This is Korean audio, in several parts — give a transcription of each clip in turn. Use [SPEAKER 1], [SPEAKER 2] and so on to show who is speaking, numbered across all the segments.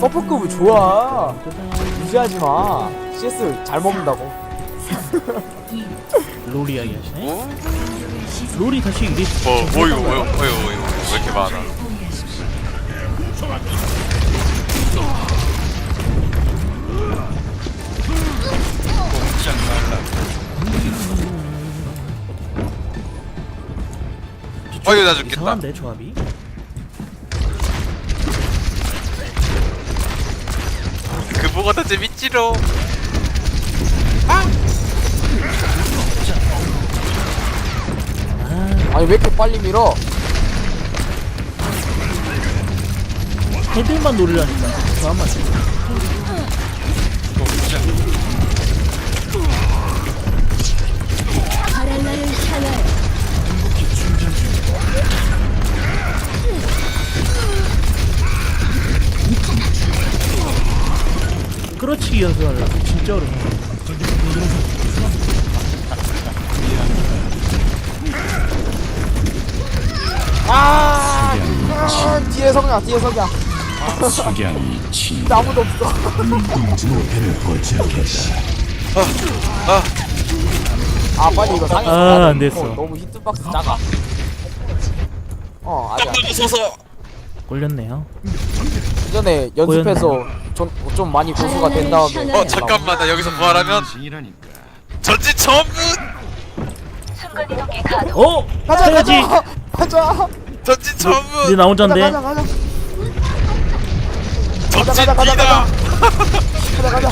[SPEAKER 1] 서포급이 좋아. 무시하지 마. CS 잘 먹는다고.
[SPEAKER 2] 롤 이야기 하시네? 롤이 다시 이게
[SPEAKER 3] 뭐 이거 왜 이렇게 많아? 이거 나 죽겠다.
[SPEAKER 2] 이상한데 조합이?
[SPEAKER 3] 그 뭐가 더 재밌지로.
[SPEAKER 1] 아니 왜 이렇게 빨리 밀어?
[SPEAKER 2] 헤드만 노리라니까 조합만
[SPEAKER 4] 바랄라를 향하여
[SPEAKER 2] 끌어치기 연습하려고 진짜 어려워.
[SPEAKER 1] 뒤에 석양 뒤에 석양.
[SPEAKER 5] 석양이 친
[SPEAKER 1] 근데 아무도 없어.
[SPEAKER 5] 목표를 포착했다.
[SPEAKER 1] 아 빨리 이거 상해.
[SPEAKER 2] 아, 안 됐어.
[SPEAKER 1] 너무 히트박스 작아. 아니야.
[SPEAKER 3] 서서.
[SPEAKER 2] 걸렸네요.
[SPEAKER 1] 이전에 연습해서 좀 많이 고수가 된 다음에.
[SPEAKER 3] 잠깐만 나 여기서 부활하면 전진 전문.
[SPEAKER 2] 어?
[SPEAKER 1] 가자
[SPEAKER 2] 해야지.
[SPEAKER 1] 가자.
[SPEAKER 3] 전진
[SPEAKER 2] 이제
[SPEAKER 3] 전문.
[SPEAKER 2] 나 혼잔데.
[SPEAKER 1] 가자.
[SPEAKER 3] 전진
[SPEAKER 1] 가자.
[SPEAKER 3] 뛰다.
[SPEAKER 1] 가자.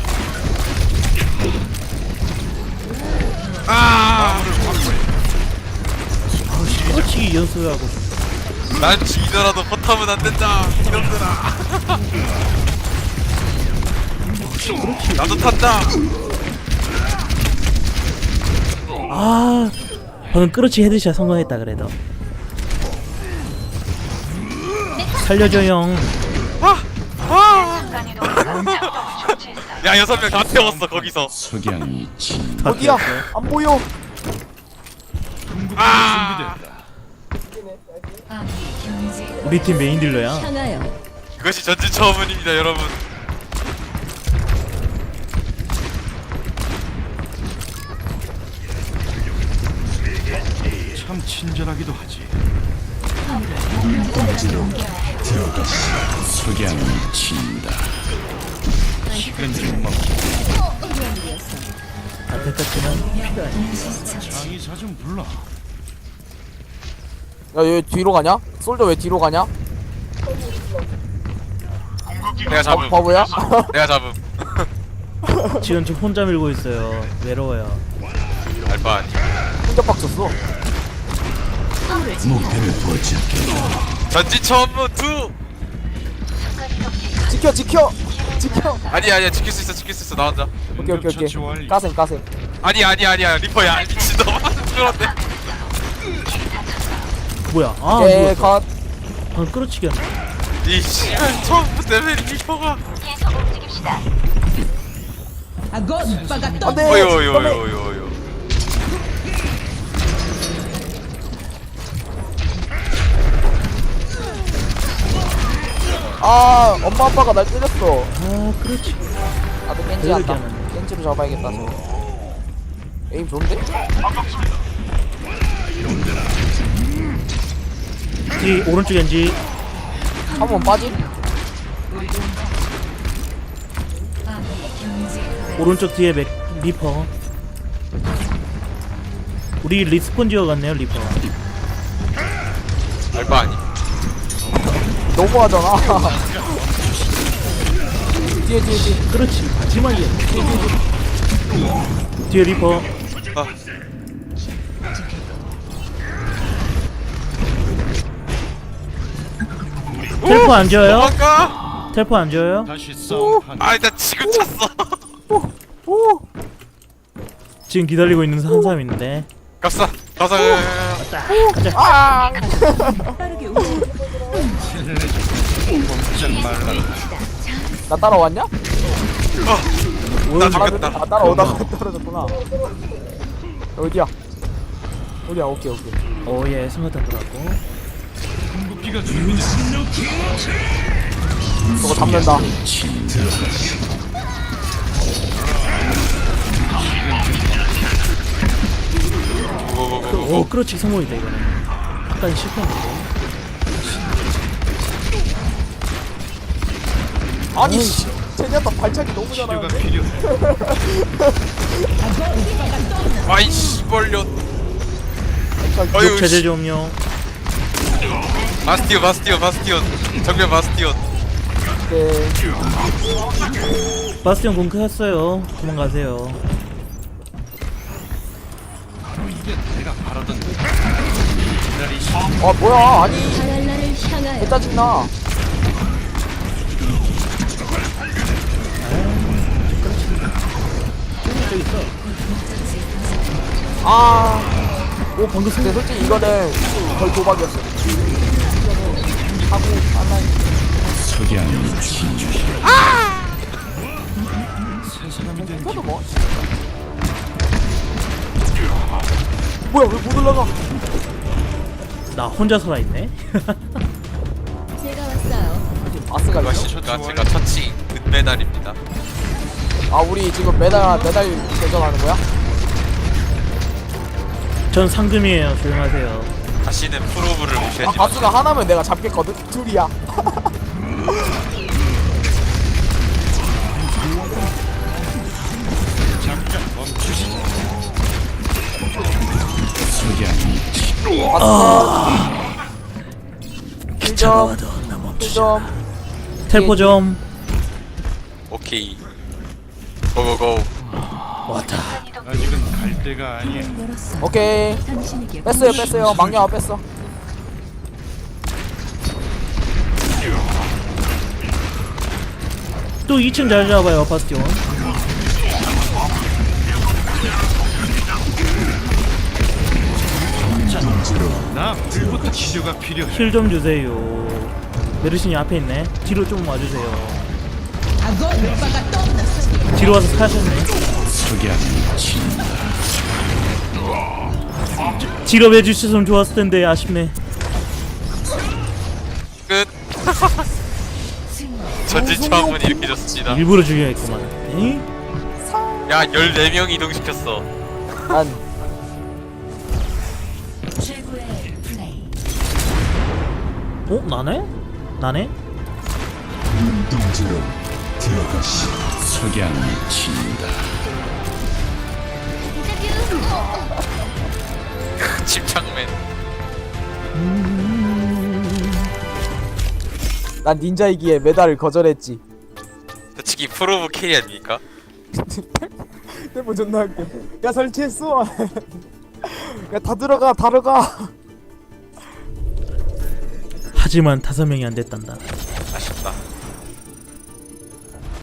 [SPEAKER 2] 끌어치기 연습하고.
[SPEAKER 3] 난 지더라도 포탑은 안 된다. 이놈들아. 나도 탄다.
[SPEAKER 2] 아, 방금 끌어치기 헤드샷 성공했다 그래도. 살려줘용.
[SPEAKER 3] 야 6명 다 태웠어 거기서.
[SPEAKER 5] 석양이 친
[SPEAKER 1] 어디야? 안 보여.
[SPEAKER 2] 우리 팀 메인 딜러야.
[SPEAKER 4] 향하여
[SPEAKER 3] 그것이 전진 처음입니다 여러분.
[SPEAKER 5] 참 친절하기도 하지. 석양이 친다. 식은 좀 먹고
[SPEAKER 2] 안타깝지만 필요하네.
[SPEAKER 5] 장의사 좀 불러.
[SPEAKER 1] 야얘 뒤로 가냐? 솔저 왜 뒤로 가냐?
[SPEAKER 3] 내가 잡음.
[SPEAKER 1] 바보야?
[SPEAKER 3] 내가 잡음.
[SPEAKER 2] 지금 저 혼자 밀고 있어요. 외로워요.
[SPEAKER 3] 알바 아니.
[SPEAKER 1] 혼자 빡쳤어.
[SPEAKER 5] 목표를 포착했다.
[SPEAKER 3] 전진 처음은 2.
[SPEAKER 1] 지켜.
[SPEAKER 3] 아니야 지킬 수 있어 나 혼자.
[SPEAKER 1] 오케이. 까셈.
[SPEAKER 3] 아니야 리퍼야 미친놈아. 그런데
[SPEAKER 2] 뭐야? 아,
[SPEAKER 1] 오케이
[SPEAKER 2] 누웠어.
[SPEAKER 1] 컷.
[SPEAKER 2] 방금 끌어치기 하네.
[SPEAKER 3] 이 씨발 처음부터 왜 리퍼가.
[SPEAKER 1] 안돼.
[SPEAKER 3] 어요요요요요.
[SPEAKER 1] 엄마 아빠가 날 때렸어.
[SPEAKER 2] 아, 그렇지.
[SPEAKER 1] 나도 겐지 한다. 겐지로 잡아야겠다. 저. 에임 좋은데?
[SPEAKER 2] 뒤 오른쪽 엔지.
[SPEAKER 1] 한 번 빠짐?
[SPEAKER 2] 오른쪽 뒤에 리퍼. 우리 리스폰 지어갔네요 리퍼.
[SPEAKER 3] 알바 아니.
[SPEAKER 1] 너무하잖아. 뒤에.
[SPEAKER 2] 그렇지. 마지막이야. 뒤에 리퍼. 텔포 안 지어요?
[SPEAKER 3] 도망가.
[SPEAKER 2] 텔포 안 지어요?
[SPEAKER 5] 다시 싸움판.
[SPEAKER 3] 나 지금 찼어.
[SPEAKER 2] 지금 기다리고 있는 한 사람 있는데.
[SPEAKER 3] 가서.
[SPEAKER 2] 가자.
[SPEAKER 1] 나 따라왔냐?
[SPEAKER 3] 나 죽겠다.
[SPEAKER 1] 따라오다가 떨어졌구나. 어디야? 오케이.
[SPEAKER 2] 오예, 승하탄 돌았고.
[SPEAKER 5] 궁극기가 준비됐어.
[SPEAKER 1] 저거 잡는다.
[SPEAKER 2] 오 그렇지 성공이다 이거는. 아까 실패했는데.
[SPEAKER 1] 아니 씨. 제니아타 발차기 너무
[SPEAKER 5] 치료가
[SPEAKER 1] 잘하는데.
[SPEAKER 5] 필요해.
[SPEAKER 3] 아이 씨벌려.
[SPEAKER 2] 육 체제 좀요.
[SPEAKER 3] 바스티온 정면 바스티온.
[SPEAKER 1] 네.
[SPEAKER 2] 바스티온 공격했어요. 도망가세요.
[SPEAKER 5] 이게 내가 바라던 기다리시.
[SPEAKER 1] 아 뭐야 아니
[SPEAKER 4] 바랄라를 향하여
[SPEAKER 1] 개 짜증나. 아, 오 방금 근데 솔직히 이거는 거의 도박이었어. 하고 안나
[SPEAKER 5] 석양이 진주해. 새 사람이 된
[SPEAKER 1] 이거도 뭐? 뭐야 왜 못 올라가?
[SPEAKER 2] 나 혼자 살아있네.
[SPEAKER 4] 제가 왔어요.
[SPEAKER 1] 아스가
[SPEAKER 3] 이것이
[SPEAKER 1] 있어?
[SPEAKER 3] 제가 처치 은메달입니다.
[SPEAKER 1] 아 우리 지금 메달 대전하는 거야?
[SPEAKER 2] 전 상금이에요. 조용하세요.
[SPEAKER 3] 다시는 프로브를
[SPEAKER 1] 아
[SPEAKER 3] 무시하지 마.
[SPEAKER 1] 바스가 하나면 내가 잡겠거든? 둘이야.
[SPEAKER 5] 잠깐 멈추시죠. 석양이
[SPEAKER 1] 바스
[SPEAKER 2] 귀찮아도 나 멈추자.
[SPEAKER 1] 1점
[SPEAKER 2] 텔포 좀.
[SPEAKER 3] 오케이. 고고고.
[SPEAKER 2] 왔다.
[SPEAKER 5] 아직은 갈 때가 아니야.
[SPEAKER 1] 오케이
[SPEAKER 4] 당신에게
[SPEAKER 1] 뺐어요 망령아 뺐어.
[SPEAKER 2] 또 2층 잘 잡아요 바스티온.
[SPEAKER 5] 나 불부터 치료가 필요해.
[SPEAKER 2] 힐 좀 주세요. 메르신이 앞에 있네. 뒤로 좀 와주세요. 뒤로 와서 사셨네.
[SPEAKER 5] 석양이 진다.
[SPEAKER 2] 뒤로 해주셨으면 좋았을 텐데 아쉽네.
[SPEAKER 3] 끝. 전진 차원이 이렇게 졌습니다.
[SPEAKER 2] 일부러 죽여야겠구만. 에이?
[SPEAKER 3] 야 14명 이동시켰어.
[SPEAKER 1] 난
[SPEAKER 2] 어? 나네? 나네?
[SPEAKER 5] 석양이 진다.
[SPEAKER 3] 집착맨.
[SPEAKER 1] 난 닌자이기에 메달을 거절했지.
[SPEAKER 3] 솔직히 프로브 캐리 아닙니까?
[SPEAKER 1] 템포 존나 웃겨. 야 설치했어. 야 다 들어가.
[SPEAKER 2] 하지만 5명이 안 됐단다.